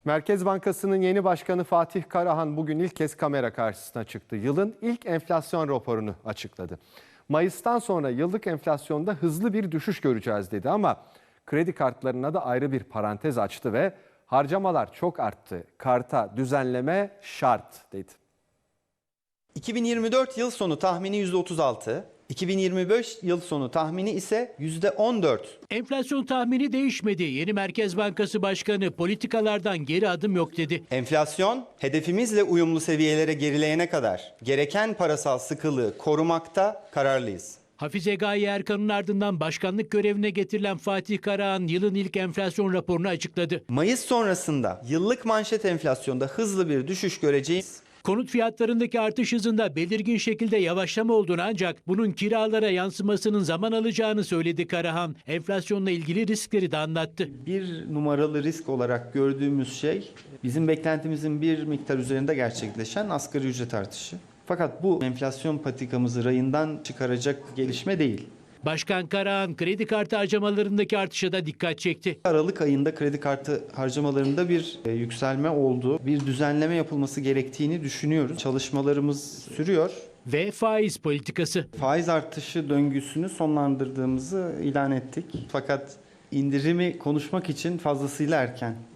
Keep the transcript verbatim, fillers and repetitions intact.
Merkez Bankası'nın yeni başkanı Fatih Karahan bugün ilk kez kamera karşısına çıktı. Yılın ilk enflasyon raporunu açıkladı. Mayıs'tan sonra yıllık enflasyonda hızlı bir düşüş göreceğiz dedi ama kredi kartlarına da ayrı bir parantez açtı ve harcamalar çok arttı. Karta düzenleme şart dedi. iki bin yirmi dört yıl sonu tahmini yüzde otuz altı, iki bin yirmi beş yıl sonu tahmini ise yüzde on dört. Enflasyon tahmini değişmedi. Yeni Merkez Bankası Başkanı politikalardan geri adım yok dedi. Enflasyon hedefimizle uyumlu seviyelere gerileyene kadar gereken parasal sıkılığı korumakta kararlıyız. Hafize Gaye Erkan'ın ardından başkanlık görevine getirilen Fatih Karahan yılın ilk enflasyon raporunu açıkladı. Mayıs sonrasında yıllık manşet enflasyonda hızlı bir düşüş göreceğiz. Konut fiyatlarındaki artış hızında belirgin şekilde yavaşlama olduğunu ancak bunun kiralara yansımasının zaman alacağını söyledi Karahan. Enflasyonla ilgili riskleri de anlattı. Bir numaralı risk olarak gördüğümüz şey bizim beklentimizin bir miktar üzerinde gerçekleşen asgari ücret artışı. Fakat bu enflasyon patikamızı rayından çıkaracak gelişme değil. Başkan Karahan kredi kartı harcamalarındaki artışa da dikkat çekti. Aralık ayında kredi kartı harcamalarında bir e, yükselme oldu. Bir düzenleme yapılması gerektiğini düşünüyoruz. Çalışmalarımız sürüyor. Ve faiz politikası. Faiz artışı döngüsünü sonlandırdığımızı ilan ettik. Fakat indirimi konuşmak için fazlasıyla erken.